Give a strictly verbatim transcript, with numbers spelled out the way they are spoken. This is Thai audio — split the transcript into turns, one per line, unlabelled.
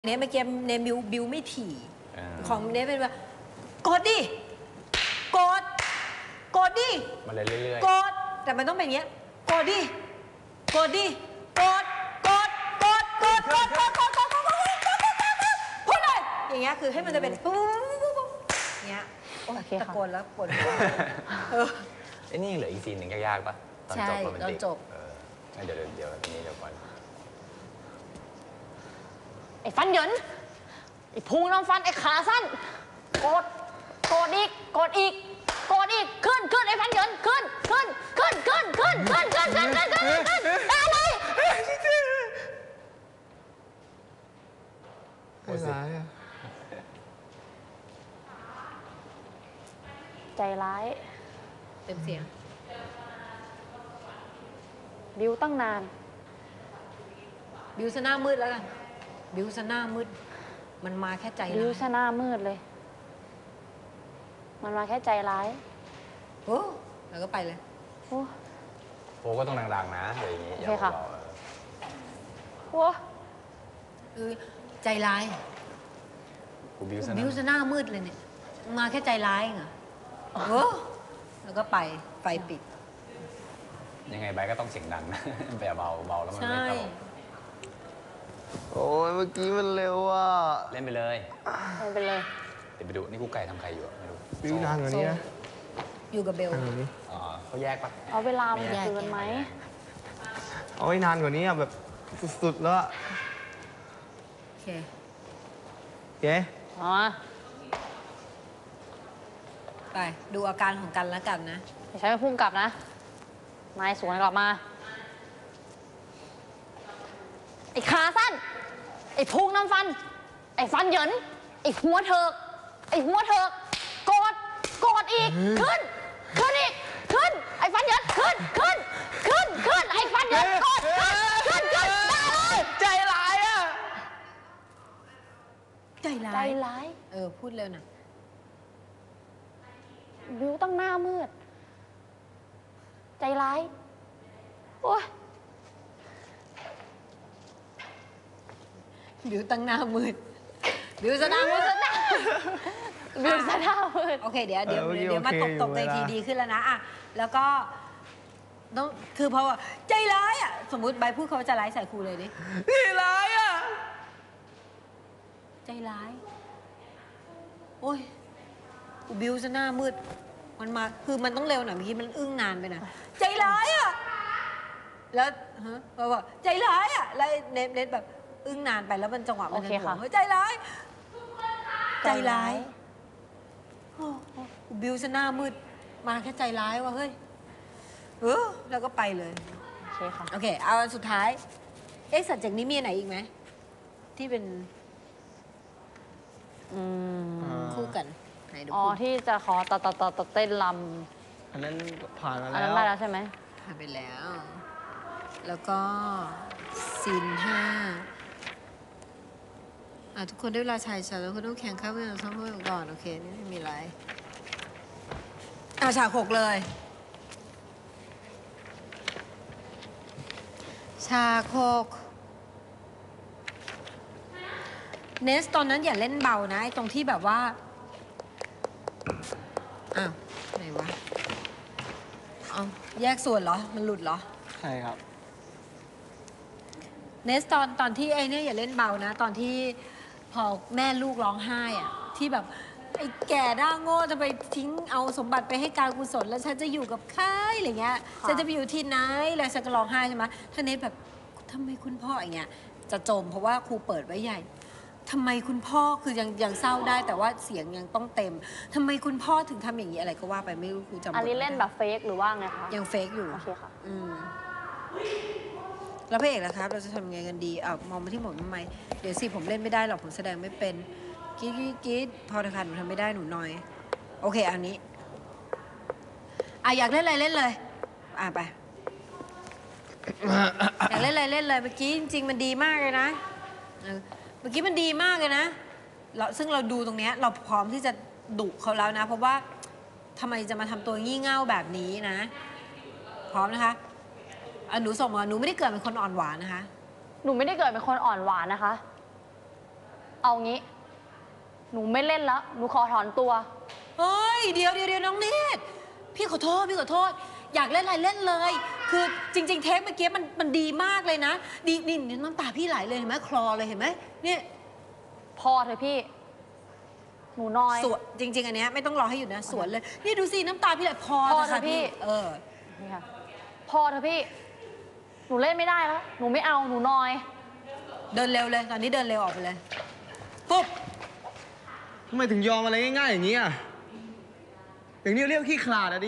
เนี้ยเมื่อกี้เนบิวบิวไม่ถี่ของเนี้ยเป็นว่ากดดิกดกดดิ
มาเลยเรื่อย
ๆกดแต่มันต้องเป็นอย่างเงี้ยกดดิกดดิกดกดกดกดกดกดกดกดกดกดพูดเลยอย่างเงี้ยคือให้มันจะเป็นปุ๊บอย่างเงี้ยโอ้ตะโกนแล้วปวดหัว
ไอ้นี่เหลืออีกซีนหนึ่งยากๆป่ะตอนจบโรแมนติก
จบ
เดี๋ยวเดี๋ยวนี้เดี๋ยวก่อน
ไอ้ฟันเหยินไอ้พุงน้ำฟันไอ้ขาสั้นกดกดอีกกดอีกกดอีกขึ้นขึ้นไอ้ฟันเหยินขึ้นขึ้นขึ้นขึ้นขึ้นขึ้นขึ้นขึ้นขึ้นขึ้นขึ้นอะไร
ไม่ร้ายอ่ะ
ใจร้าย
เต็มเสียง
บิวตั้งนาน
บิวซะหน้ามืดแล้วกันบิวซะหน้ามืดมันมาแค่ใจร้าย
บิวซะหน้ามืดเลยมันมาแค่ใจร้าย
โอ้แล้วก็ไปเลย
โอ้
โอ้ก็ต้องดังๆนะอะไรอย่างงี้
โอเคค่ะโอ้
ใจร้าย
บิวซะ
บิวซะหน้ามืดเลยเนี่ยมาแค่ใจร้ายเหรอโอ้แล้วก็ไปไฟปิด
ยังไงใบก็ต้องเสียงดังนะไปเบาเบาแล้วมันไม่ตลก
โอ้ยเมื่อกี้มันเร็วอ่ะ
เล่นไปเลย
เล่นไปเลย
เดี๋ยวไปดูนี่กูไก่ทำใครอยู่ไม่รู้
บิวนานกว่านี้นะ
อยู่กับเบล
อ๋อเขาแยกปะ
เอาเวลามันเกินไหม
เอาไว้นานกว่านี้อ่ะแบบสุดๆแล้ว
โอเค
โอเค
อ๋อ
ไปดูอาการของกันแล้วกันนะ
ไม่ใช่ไม่พุ่งกลับนะนายสวนกลับมาไอ้ขาสั้นไอ้พุงน้ำฟันไอ้ฟันเหยินไอ้หัวเถิกไอ้หัวเถิกกดกดอีกขึ้นขึ้นอีกขึ้นไอ้ฟันเหยินขึ้นขึ้นขึ้นขึ้นไอ้ฟันเหยินกดขึ้นขึ้นขึ้นได้เลย
ใจร้ายอ่ะ
ใจร้าย
ใจร้าย
เออพูดเร็วนะ
บิวตั้งหน้ามืดใจร้ายโอ้ย
บิวตั้งหน้ามืดบิวซะหน้ามืดซะหน้า
บิวซะหน้ามืด
โอเคเดี๋ยวเดี๋ยวเดี๋ยวมาตบตบในทีดีขึ้นแล้วนะอ่ะแล้วก็ต้องคือเพราะว่าใจร้ายอ่ะสมมุติใบพูดเขาจะร้ายใส่ครูเลยดิ
ใจร้ายอ่ะ
ใจร้ายโอ้ยบิวซะหน้ามืดมันมาคือมันต้องเร็วหน่อยเมื่อกี้มันอึ้งนานไปนะใจร้ายอ่ะแล้วฮะเพราะว่าใจร้ายอ่ะแล้วเน็ตเน็ตแบบอึ้งนานไปแล้วมันจังหวะมันจะหัวใจร้ายใจร้ายบิวซะหน้ามืดมาแค่ใจร้ายว่ะเฮ้ยเออแล้วก็ไปเลย
โอเคค่ะ
โอเคเอาสุดท้ายเอ๊ะสัตว์จากนี้มีไหนอีกไหมที่เป็นคู่กัน
อ๋อที่จะขอตัดตัดตัดตัดเต้นล
ำอันนั้นผ่านมาแล้ว
อันนั้นได้แล้วใช่ไหม
ผ่านไปแล้วแล้วก็ซีนห้าอ่ะทุกคนได้เวลาชายชาแล้วคุณต้องแข่งข้าวเมื่อซ้อมเมื่อก่อนโอเคนี่ไม่มีอะไรอ่ะฉากหกเลยฉากหกเนสตอนนั้นอย่าเล่นเบานะไอ้ตรงที่แบบว่าอ้าวไหนวะเอาแยกส่วนเหรอมันหลุดเหรอ
ใช่ครับ
เนสตอนตอนที่ไอ้เนี่ยอย่าเล่นเบานะตอนที่พอแม่ลูกร้องไห้อะที่แบบไอ้แก่ด้าโง่จะไปทิ้งเอาสมบัติไปให้การกุศลแล้วฉันจะอยู่กับใครอะไรเงี้ยฉันจะไปอยู่ที่ไหนแล้วฉันก็ร้องไห้ใช่ไหมถ้าเนสแบบทำไมคุณพ่ออย่างเงี้ยจะจมเพราะว่าครูเปิดไว้ใหญ่ทำไมคุณพ่อคือยังยังเศร้าได้แต่ว่าเสียงยังต้องเต็มทำไมคุณพ่อถึงทำอย่างนี้อะไรก็ว่าไปไม่รู้ครูจำ
อันนี้เล่นแบบเฟกหรือว่าไงคะ
ยังเฟกอยู่
โอเคค่ะ
อืมแล้วพระเอกล่ะครับเราจะทำยังไงกันดีอ่ะมองมาที่ผมทำไมเดี๋ยวสิผมเล่นไม่ได้หรอกผมแสดงไม่เป็นกิ๊ดกิ๊ดพอเถอะค่ะหนูทำไม่ได้หนูน้อยโอเคอันนี้อ่ะอยากเล่นอะไรเล่นเลยอ่ะไปอยากเล่นอะไรเล่นเลยเมื่อกี้จริงๆมันดีมากเลยนะเมื่อกี้มันดีมากเลยนะเราซึ่งเราดูตรงนี้เราพร้อมที่จะดุเขาแล้วนะเพราะว่าทำไมจะมาทำตัวงี่เง่าแบบนี้นะพร้อมนะคะหนูส่งมาหนูไม่ได้เกิดเป็นคนอ่อนหวานนะคะ
หนูไม่ได้เกิดเป็นคนอ่อนหวานนะคะเอางี้ หนูไม่เล่นแล้ว หนูขอถอนตัว
เฮ้ยเดี๋ยวเดี๋ยวเดี๋ยวน้องเนตรพี่ขอโทษพี่ขอโทษ อยากเล่นอะไรเล่นเลย คือจริง ๆ เทปเมื่อกี้มันมันดีมากเลยนะดีนี่น้ำตาพี่ไหลเลยเห็นไหมคลอเลยเห็นไหมเนี่ย
พอเถอะพี่ หนูน้อย
สวนจริง ๆ อันเนี้ยไม่ต้องรอให้อยู่นะสวนเลย นี่ดูสิน้ำตาพี่ไหลพอ
พอ
นะ
เถ
คะ
อะพี่
เออ
นี่ค่ะ พอเถอะพี่ หนูเล่นไม่ได้แล้ว หนูไม่เอา หนูน้อย
เดินเร็วเลย ตอนนี้เดินเร็วออกไปเลยปุ๊บ
ทำไมถึงยอมอะไรง่ายๆอย่างนี้อ่ะอย่างนี้เรียกขี้ขลาดอะดิ